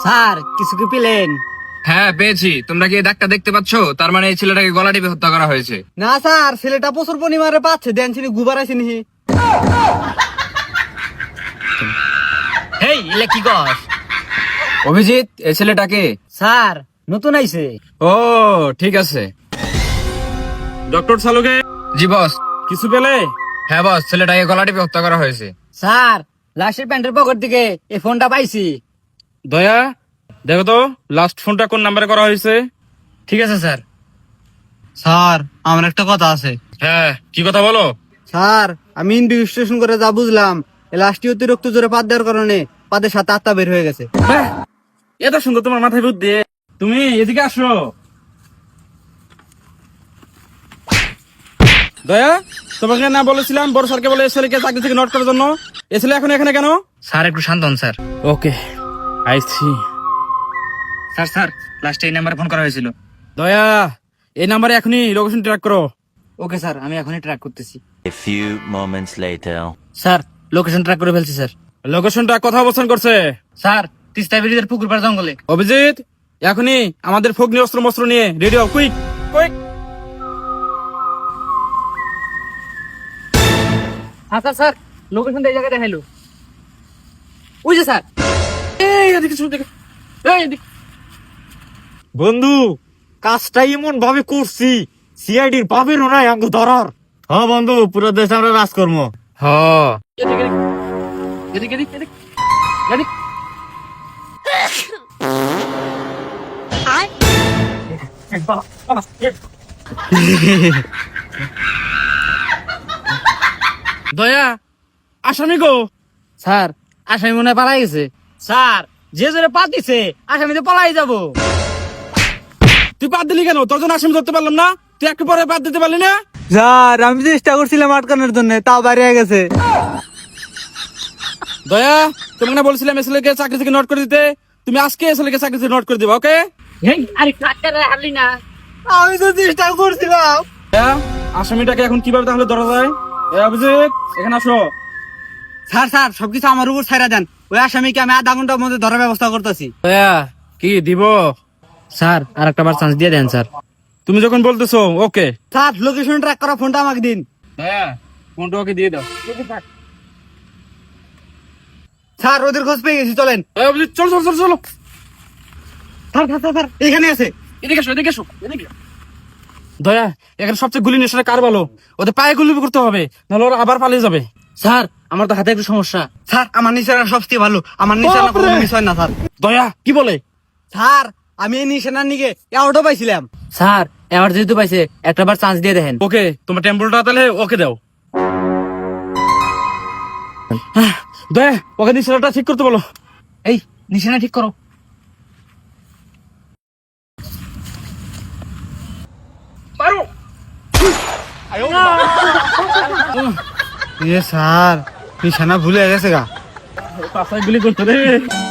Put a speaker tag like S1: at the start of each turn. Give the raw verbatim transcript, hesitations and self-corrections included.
S1: Sir কিছু কি পেলেন?
S2: হ্যাঁ পেয়েছি। তোমরা কি এই দাগটা দেখতে পাচ্ছ? তার মানে এই ছেলেটাকে গলা টিপে হত্যা করা হয়েছে।
S1: না স্যার, ছেলেটা প্রচুর পরিমাণে পাচ্ছে, দেন চিনি গুবার আছে নি।
S3: হেই ইলে কি কস?
S2: অভিজিৎ, এই ছেলেটাকে?
S1: স্যার নতুন আইছে।
S2: ও ঠিক আছে।
S4: ডক্টর সালুকে
S2: জি বস।
S4: কিছু পেলে?
S2: হ্যাঁ বস, ছেলেটাকে গলা টিপে হত্যা করা হয়েছে।
S1: স্যার লাশের প্যান্টের পকেট থেকে এই ফোনটা পাইছি।
S4: দয়া দেখো তো লাস্ট ফোনটা কোন নাম্বারে করা হয়েছে।
S1: ঠিক আছে স্যার। স্যার আমার একটা কথা আছে।
S4: হ্যাঁ কি কথা বলো?
S1: স্যার আমি ইনভেস্টিগেশন করে যা বুঝলাম, এই লাশটি অতিরিক্ত জোরে পাত দেওয়ার কারণে পাদের সাথে আত্মা বের হয়ে গেছে।
S4: বাহ, এত সুন্দর তোমার মাথায় বুদ্ধি। তুমি এদিকে আসো। দয়া, তোমাকে না বলেছিলাম বড় স্যারকে বলে ছেলেকে চাকরি থেকে নোট করার জন্য? এ ছেলে এখন এখানে কেন?
S3: স্যার একটু শান্ত হন sir.
S4: Okay I see.
S3: Sir sir লাস্টে এই নাম্বারে ফোন করা হয়েছিল।
S4: দয়া এই নাম্বারে এখনই লোকেশন ট্র্যাক করো।
S1: ওকে স্যার, আমি এখনই ট্র্যাক করতেছি।
S5: A few moments later.
S1: Sir location track করে ফেলছি স্যার।
S4: লোকেশনটা কথা অবস্থান করছে?
S3: স্যার তিস্তা ব্রিজের পুকুর পাড় জঙ্গলে।
S4: অভিজিৎ এখনই আমাদের ফগ্নি অস্ত্র মস্ত্র নিয়ে রেডি হও, কুইক কুইক।
S3: আচ্ছা স্যার লোকেশন এই জায়গায় দেখাইলো। ওই যে স্যার।
S4: এই এদিকে শুন দেখে। এই এদিকে।
S6: বন্ধু কাজটা এমন ভাবে করছি, সিআইডির পাবেরও নাই আঙ্গু ধরার। হ্যাঁ বন্ধু, পুরো দেশে আমরা রাজকর্ম।
S2: হ্যাঁ
S4: এদিকে এদিকে এদিকে এদিকে এদিকে। দয়া আসামি গো।
S1: স্যার আসামি মনে হয় পালাই গেছে। স্যার যে জোরে পাত দিছে আসামি তো পালাই যাবো।
S4: তুই বাদ দিলি কেন? তোর জন্য আসামি ধরতে পারলাম না, তুই একটু পরে বাদ দিতে পারলি না?
S1: স্যার আমি চেষ্টা করছিলাম আটকানোর জন্য, তাও বাইরে হয়ে গেছে।
S4: দয়া তোমাকে না বলছিলাম এসএলকে চাকরি থেকে নোট করে দিতে, তুমি আজকে এসএলকে চাকরি থেকে নোট করে দিবা। ওকে?
S3: আরে কাটকারে হারলি না।
S1: আমি তো চেষ্টা করছিলাম।
S4: দয়া, আসামিটাকে এখন কিভাবে তাহলে ধরা যায়? এ অভিজিৎ এখানে আসো।
S1: স্যার স্যার সবকিছু আমার উপর ছাইরা দেন, ওই আসামিকে আমি আধা ঘন্টার মধ্যে ধরার ব্যবস্থা করতেছি।
S4: দয়া কি দিব?
S3: স্যার আর একটা বার চান্স দিয়ে দেন স্যার।
S4: তুমি যখন বলতেছো ওকে।
S1: স্যার লোকেশন ট্র্যাক করা ফোনটা আমাকে দিন।
S4: দয়া ফোনটা ওকে দিয়ে দাও।
S1: স্যার ওদের খোঁজ পেয়ে গেছি, চলেন।
S4: এ অভিজিৎ চলো চলো চলো চলো।
S1: স্যার স্যার স্যার, স্যার এখানে আছে।
S4: এদিকে এসো এদিকে এসো এদিকে। দয়া এখানে সবচেয়ে গুলি নেশাটা কার বলো? ওদের পায়ে গুলি করতে হবে, নাহলে ওরা আবার পালিয়ে যাবে।
S3: স্যার আমার তো হাতে একটু সমস্যা।
S1: স্যার আমার নিশানা সবচেয়ে ভালো, আমার নিশানা কোনো মিস হয় না স্যার।
S4: দয়া কি বলে?
S1: স্যার আমি এই নিশানার নিকে অ্যাওয়ার্ডও পাইছিলাম।
S3: স্যার এবার যেহেতু পাইছে একটা বার চান্স দিয়ে দেখেন।
S4: ওকে তোমার টেম্পলটা তাহলে ওকে দাও। হ্যাঁ, দয়া ওকে নিশানাটা ঠিক করতে বলো।
S3: এই নিশানা ঠিক করো।
S1: এ স্যার নিশানা ভুলে গেছে গা।
S4: পাশায় গুলি করতে রে।